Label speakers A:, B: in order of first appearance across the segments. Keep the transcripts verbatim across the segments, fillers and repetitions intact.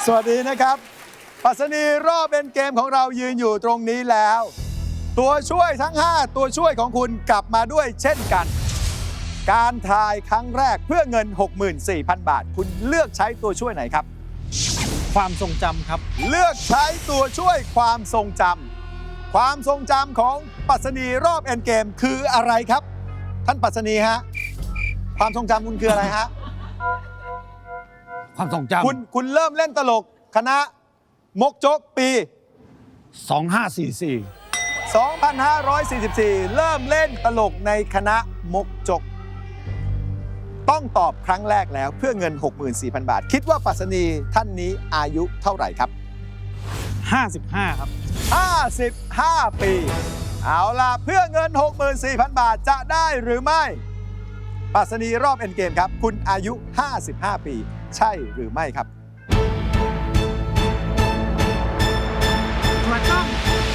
A: สวัสดีนะครับปรัชนีรอบเป็นเกมของเรายืนอยู่ตรงนี้แล้ว ตัวช่วยทั้งห้าตัวช่วยของคุณกลับมาด้วยเช่นกัน การทายครั้งแรกเพื่อเงิน หกหมื่นสี่พัน บาทคุณเลือกใช้ตัวช่วยไหนครับ
B: ความทรงจำครับ
A: เลือกใช้ตัวช่วยความทรงจำความทรงจำของปรัชนีรอบเอ็นเกมคืออะไรครับท่านปรัชนีฮะความทรงจำคุณคืออะไรฮะ
B: ความทรงจำ
A: คุณคุณเริ่มเล่นตลกคณะมกจกปี
B: สองห้าสี่สี่
A: สองพันห้าร้อยสี่สิบสี่ เริ่มเล่นตลกในคณะมกจกต้องตอบครั้งแรกแล้วเพื่อเงิน หกหมื่นสี่พัน บาทคิดว่าปรัชนีท่านนี้อายุเท่าไหร่ครับ
B: ห้าสิบห้าครับ
A: ห้าสิบห้าปีเอาล่ะเพื่อเงิน หกหมื่นสี่พัน บาทจะได้หรือไม่ปรัชนีรอบเอ็นเกมครับคุณอายุห้าสิบห้าปีใช่หรือไม่ครับ
B: ถูกต้อง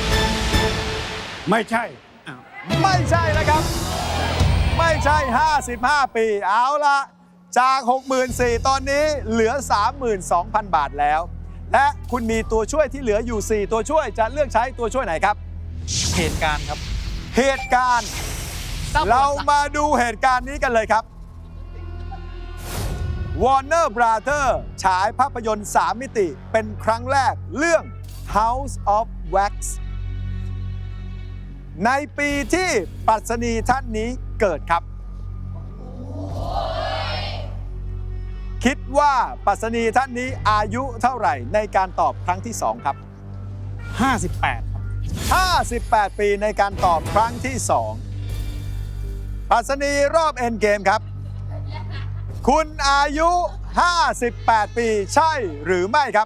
B: ไม่ใช่
A: ไม่ใช่นะครับไม่ใช่ห้าสิบห้าปีเอาล่ะจาก หกหมื่นสี่พัน ตอนนี้เหลือ สามหมื่นสองพัน บาทแล้วและคุณมีตัวช่วยที่เหลืออยู่สี่ตัวช่วยจะเลือกใช้ตัวช่วยไหนครับ
B: เหตุการณ์ครับ
A: เหตุการณ์เรามาดูเหตุการณ์นี้กันเลยครับ Warner Brothers ฉายภาพยนตร์สามมิติเป็นครั้งแรกเรื่อง House of Wax ในปีที่ปรัชนีท่านนี้เกิดครับคิดว่าปรัชนีท่านนี้อายุเท่าไหร่ในการตอบครั้งที่สองครับ
B: ห้าสิบแปดครับ
A: ห้าสิบแปดปีในการตอบครั้งที่สองปรัชนีรอบเอ็นเกมครับคุณอายุห้าสิบแปดปีใช่หรือไม่ครับ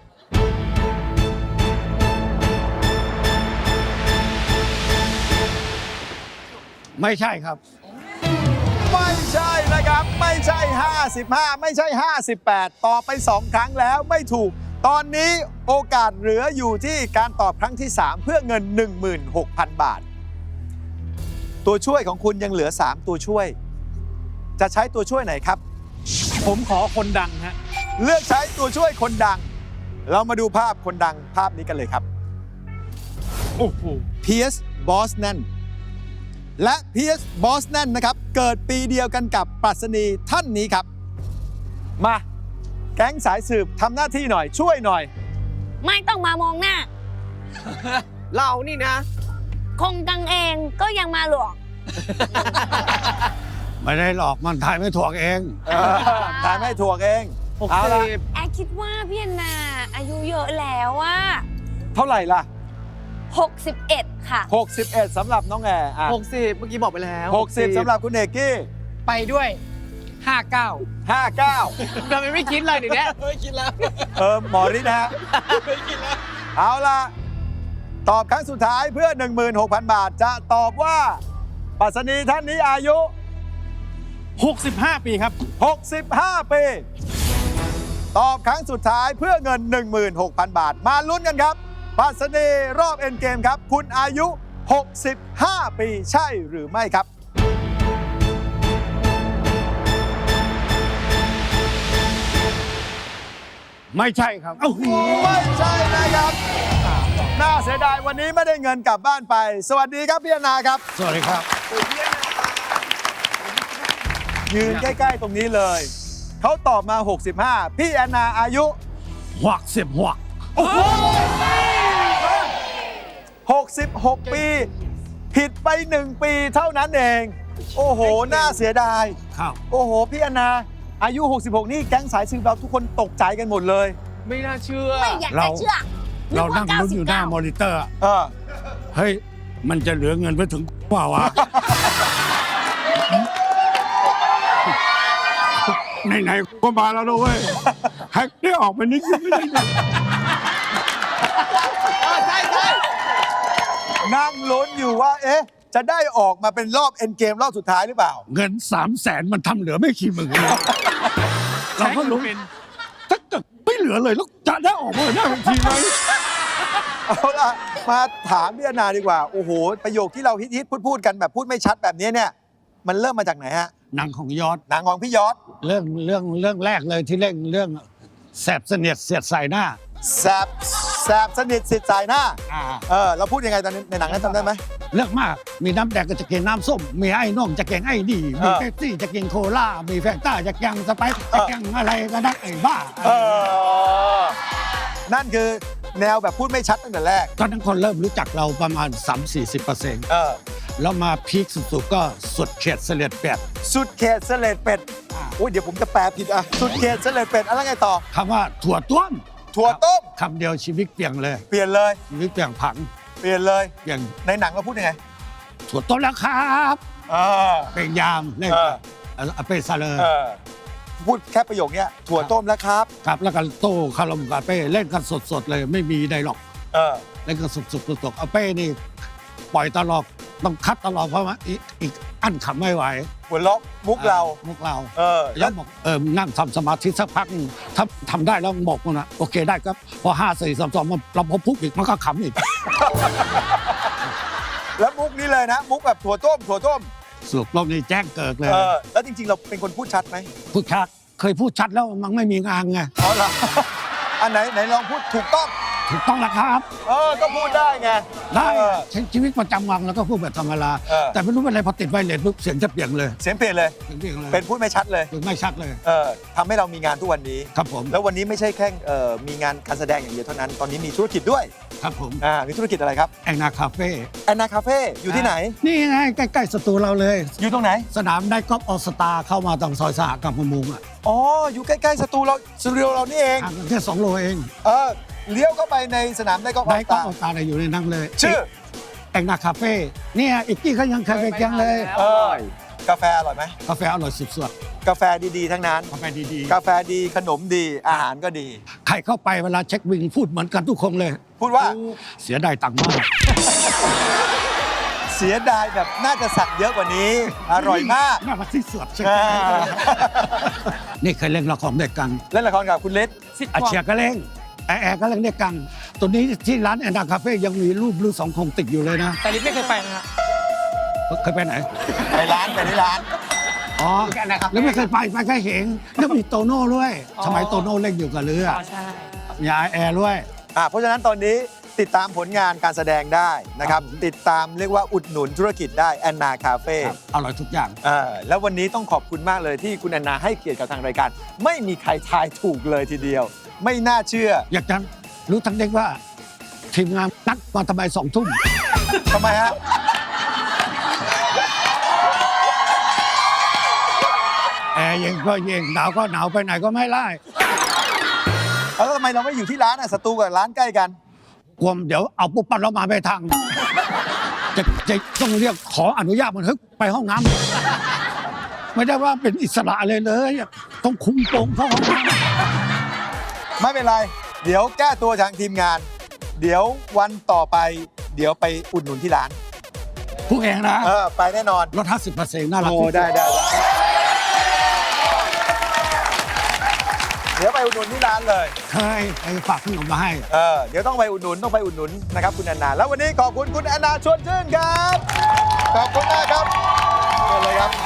B: ไม่ใช่ครับ
A: ไม่ใช่นะครับไม่ใช่ห้าสิบห้าไม่ใช่ห้าสิบแปดตอบไปสองครั้งแล้วไม่ถูกตอนนี้โอกาสเหลืออยู่ที่การตอบครั้งที่สามเพื่อเงิน หนึ่งหมื่นหกพัน บาทตัวช่วยของคุณยังเหลือสามตัวช่วยจะใช้ตัวช่วยไหนครับ
B: ผมขอคนดังฮะ
A: เลือกใช้ตัวช่วยคนดังเรามาดูภาพคนดังภาพนี้กันเลยครับ
B: โอ้โห
A: เพียร์สบอสแนนและเพียร์สบอสแนนนะครับเกิดปีเดียวกันกับปรัชนีท่านนี้ครับมาแก๊งสายสืบทำหน้าที่หน่อยช่วยหน่อย
C: ไม่ต้องมามองหน้า
D: เรานี่นะ
C: คงกังเองก็ยังมาหลอก
B: ไม่ได้หลอกมันทายไม่ถูกเอง
A: ทายไม่ถูกเอง
D: เอาละ
C: แอคิดว่าพี่แอนนาอายุเยอะแล้วอะ
A: เท่าไหร่ล่ะ
C: หกสิบเอ็ดค่ะ
A: หกสิบเอ็ดสำหรับน้องแอร์
D: หกสิบเมื่อกี้บอกไปแล้ว
A: หกสิบสำหรับคุณเอกกี้
D: ไปด้วยห้าเก้า
A: ห้าเก้า
D: ทำไมไม่คิดเลยเดี๋ยวนี้ไม่คิดแล้ว
A: เออหมอฤทธิ์นะฮะไม่คิดแล้วเอาล่ะตอบครั้งสุดท้ายเพื่อ หนึ่งหมื่นหกพัน บาทจะตอบว่าปรัชนีท่านนี้อายุ
B: หกสิบห้าปีครับ
A: หกสิบห้าปีตอบครั้งสุดท้ายเพื่อเงิน หนึ่งหมื่นหกพัน บาทมาลุ้นกันครับปรัชนีรอบเอ็นเกมครับคุณอายุหกสิบห้าปีใช่หรือไม่ครับ
B: ไม่ใช่ครับ
A: ไม่ใช่นะครับน่าเสียดายวันนี้ไม่ได้เงินกลับบ้านไปสวัสดีครับพี่อนาครับ
B: สวัสดีครับ
A: ยืนใกล้ๆตรงนี้เลยเขาตอบมาหกสิบห้าพี่แอนนาอายุ
B: หกสิบหก
A: หกสิบหกปีผิดไปหนึ่งปีเท่านั้นเองโอ้โหน่าเสียดาย
B: ครับ
A: โอ้โหพี่แอนนาอายุหกสิบหกนี่แก๊งสายสืบเราทุกคนตกใจกันหมดเลย
D: ไม่น่าเชื่อ
C: ไม่อยากจะเชื่อ
B: เรานั่งลุ้นอยู่หน้ามอนิเตอร์
A: เออ
B: เฮ้ยมันจะเหลือเงินไปถึงเปล่าวะไหนๆก็มาแล้วนะเว้ยแฮกได้ออกมานิดนึงไม่ได้
D: ใช่ใช่
A: นั่งลุ้นอยู่ว่าเอ๊ะจะได้ออกมาเป็นรอบเอ็นเกมรอบสุดท้ายหรือเปล่า
B: เงินสามแสนมันทำเหลือไม่กี่หมื่นเลยเราก็ลุ้นถ้าเกิดไม่เหลือเลยแล้วจะได้ออกมาหน้าเวทีไหม
A: เอาล่ะมาถามพี่อนาดีกว่าโอ้โหประโยคที่เราฮิตๆพูดๆกันแบบพูดไม่ชัดแบบนี้เนี่ยมันเริ่มมาจากไหนฮะ
B: หนังของยอด
A: หนังของพี่ยอด
B: เรื่องเรื่องเรื่องแรกเลยที่เล่นเรื่องแสบเสนียดเสียดใส่หน้า
A: แสบแสบสนิทสิทธิ์สายหน้า
B: อ่า
A: เออเราพูดยังไงตอนนี้ในหนังนั้นจำได้ไหม
B: เลือกมาก มีน้ำแดงก็จะกินน้ำส้ม มีไอ้น่องจะกินไอ้ดีมี
A: เออ
B: เป๊ปซี่จะกินโคลามีแฟนต้าจะกินสไปซ์จะกินอะไรก็ได้ไอ้บ้า
A: เออนั่นคือแนวแบบพูดไม่ชัดตั้งแต่แรก
B: ตอนนั้นคนเริ่มรู้จักเราประมาณ สามถึงสี่สิบเปอร์เซ็นต์
A: เออ
B: แล้วมาพีคสุดๆก็สุดเขตเสลียดเป็ด
A: สุดเขตเสลดเป็ด
B: อ่า
A: โอ้ยเดี๋ยวผมจะแปลผิดอ่ะสุดเขตเสลดเป็ดอะไรไงต่อ
B: คำว่าถั่วต้ม
A: ถั่วต้ม
B: คำเดียวชีวิตเปลี่ยนเลย
A: เปลี่ยนเลย
B: ชีวิตเปลี่ยนผัง
A: เปลี่ยนเลย
B: เปลี่ยน
A: ในหนังเราพูดยังไง
B: ถั่วต้มแล้วครับ
A: เออ
B: เป็นยามเล่น
A: เออ
B: เอาเป็นซาเลอร์
A: เออพูดแค่ประโยคเนี้ยถั่วต้มแล้วครับ
B: ครับแล้วก็โต้คารมกับเป้เล่นกันสดๆเลยไม่มีไดร็อก
A: เออ
B: เล่นกันสดๆสดๆเอาเป้นี่ปล่อยตลอดต้องคัดตลอดเพราะว่าอีกอีกอั้นขำไม่ไหว
A: หัวล็อกมุกเรา
B: มุกเรา
A: เออ
B: แล้วบอกเออนั่งทำสมาธิสักพักหนึ่งถ้าทำได้แล้วบอกมันนะโอเคได้ครับพอห้าสี่สามสองมันเราพอปุ๊บอีกมันก็ขำอีก
A: แล้วมุกนี้เลยนะ มุกแบบถั่วต้มถั่วต้ม
B: สุกรอบนี้แจ้งเกิดเลย
A: เออแล้วจริงๆ เราเป็นคนพูดชัดไหม
B: พูดชัดเคยพูดชัดแล้วมันไม่มีงานไง
A: อ๋อเหรอ อันไหนไหนลองพูดถูกต้อง
B: ถูกต้องแล้วครับ
A: เออก็พูดได้ไง
B: ได้
A: เออ
B: ใช้ชีวิตประจำวันแล้วก็พูดแบบธรรมดา
A: เออ
B: แต่ไม่รู้เป็นอะไรพอติดไวเลสปุ๊บเสียงจะเปลี่ยนเลย
A: เสียงเปลี่ยนเลย
B: เสียงเปลี่ยนเลย
A: เป็นพูดไม่ชัดเลย
B: ถึงไม่ชัดเลย
A: เออทำให้เรามีงานทุกวันนี้
B: ครับผม
A: แล้ววันนี้ไม่ใช่แค่เอ่อมีงานการแสดงอย่างเดียวเท่านั้น ตอนนี้มีธุรกิจด้วย
B: ครับผม
A: อ่ามีธุรกิจอะไรครับ
B: แองนาคาเฟ่
A: แอนนาคาเฟ่อยู่ที่ไหน
B: นี่ไงใกล้ๆสตูเราเลย
A: อยู่ตรงไหน
B: สนามได้กอล์ฟออสตาเข้ามาตรงซอยสหกรรมประมงอ่ะ
A: อ๋อ อยู่ใกล้ๆสตูเราสตูดิโอเรานี่เอง
B: ห่างกันแค่สองโลเอง
A: เออ เลี้ยวเข้าไปในสนามได้ก็อ
B: ได้
A: อก
B: กอล์
A: ตา
B: ฟออสตาอยู่ในนั้นเลย
A: ชื่อ
B: แองนาคาเฟ่เนี่ยอีกที่เขายังเคยไปยังเลย
A: เออกาแฟอร่อยไหม
B: กาแฟอร่อยสุด
A: กาแฟดีๆ ทั้งนั้น
B: ๆกาแฟดี
A: กาแฟดีขนมดี อาหารก็ดี
B: ๆใครเข้าไปเวลาเช็คบินพูดเหมือนกันทุกคนเลย
A: พูดว่า
B: เสียดายตังค์มาก
A: เสียดายแบบน่าจะสั่งเยอะกว่านี้ อร่อยมาก
B: น่ามาที่สุดใช่ไหม
A: อ่า
B: นี่เคยเล่นละครด้วยกัน
A: เล่นละครกับคุณเล็ก
B: อาเชียก็เล่นแอร์แอร์ก็เล่นด้วยกัน ตัวนี้ที่ร้านแอนนาคาเฟ่ยังมีรูปลูกสองคงติดอยู่เลยนะ
D: แต่ลิศไม่เคยไปนะฮะ
B: เคยไปไหน
A: ไปร้านไปที่ร้าน
B: อ๋อ
D: แอนนาคาเฟ่
B: แล้วไม่เคยไปไปแค่เห็นแล้วมีโตโน่ด้วย
D: อ๋อ
B: สมัยโตโน่เล่นอยู่กับเรือ
D: อ๋อใช่
B: มีอาแอร์ด้วย
A: อ่าเพราะฉะนั้นตอนนี้ติดตามผลงานการแสดงได้นะครับ
B: ครับ
A: ติดตามเรียกว่าอุดหนุนธุรกิจได้แอนนาคาเฟ่
B: ครับอร่อยทุกอย่าง
A: อ่าแล้ววันนี้ต้องขอบคุณมากเลยที่คุณแอนนาให้เกียรติกับทางรายการ ไม่มีใครทายถูกเลยทีเดียว ไม่น่าเชื่อ
B: อยากจะรู้ทั้งเด็กว่า ทีมงานนัดมาทำไมสองทุ่ม
A: ทำไมฮะ
B: แอร์เย็นก็เย็นหนาวก็หนาวไปไหนก็ไม่ไล่
A: แล้วทำไมเราไม่อยู่ที่ร้านอ่ะสตูกับร้านใกล้กัน
B: กลัวเดี๋ยวเอาปุ๊บปั๊บเรามาไม่ทันจะจะต้องเรียกขออนุญาตมันเฮ้ยไปห้องน้ำไม่ได้ว่าเป็นอิสระเลยเลยต้องคุมโปงเข้าห้องน้ำ
A: ไม่เป็นไร เดี๋ยวแก้ตัวทางทีมงาน เดี๋ยววันต่อไป เดี๋ยวไปอุดหนุนที่ร้าน
B: ผู้เองนะ
A: เออไปแน่นอน
B: ลดห้าสิบเปอร์เซ็นต์น่ารัก
A: โอ้
B: ที่สุ
A: ได้ได้ได้เดี๋ยวไปอุดหนุนที่ร้านเลย
B: เคยไปฝากขนมมาให้
A: เออเดี๋ยวต้องไปอุดหนุนต้องไปอุดหนุนนะครับคุณแอนนา แล้ววันนี้ขอบคุณคุณแอนนาชวนชื่นครับ ขอบคุณมากครับเชิญเลยครับ